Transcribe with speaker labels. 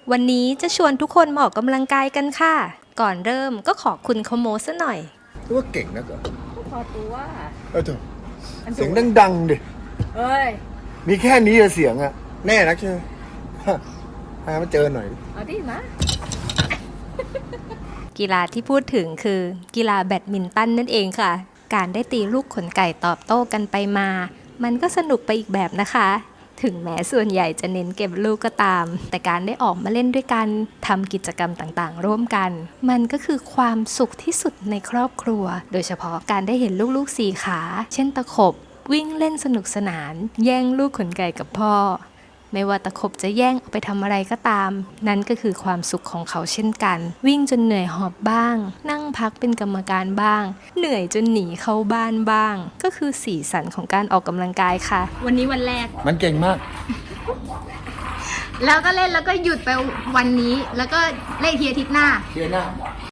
Speaker 1: วันนี้จะชวนทุกคนมาออกกำลังกายกันค่ะ ก่อนเริ่มก็ขอคุณเขาโมซะหน่อย
Speaker 2: รู้ว่าเก่งนะก็
Speaker 3: พอตัว
Speaker 2: เถอะเสียงดังๆดิ
Speaker 3: เอ้ย
Speaker 2: มีแค่นี้อะเสียงอะแน่นักใช่ไหมฮะพามาเจอหน่อย
Speaker 3: เอาดิมา
Speaker 1: กีฬาที่พูดถึงคือกีฬาแบดมินตันนั่นเองค่ะ การได้ตีลูกขนไก่ตอบโต้กันไปมา มันก็สนุกไปอีกแบบนะคะ ถึงแม้ส่วนใหญ่จะเน้นเก็บลูกก็ตาม แต่การได้ออกมาเล่นด้วยกันทำกิจกรรมต่างๆ ร่วมกัน มันก็คือความสุขที่สุดในครอบครัว โดยเฉพาะการได้เห็นลูกๆสี่ขา เช่นตะขบ วิ่งเล่นสนุกสนาน แย่งลูกขนไก่กับพ่อ ไม่ว่าตะขบจะแย่งเอาไปทำอะไรก็ตาม นั่นก็คือความสุขของเขาเช่นกัน วิ่งจนเหนื่อยหอบบ้าง นั่งพักเป็นกรรมการบ้าง เหนื่อยจนหนีเข้าบ้านบ้าง ก็คือสีสันของการออกกำลังกายค่ะ
Speaker 3: วันนี้วันแรก
Speaker 2: มันเก่งมาก
Speaker 3: แล้วก็เล่นแล้วก็หยุดไปวันนี้ แล้วก็เล่นอีกทีอาทิตย์หน้า
Speaker 2: เชียร์หน้า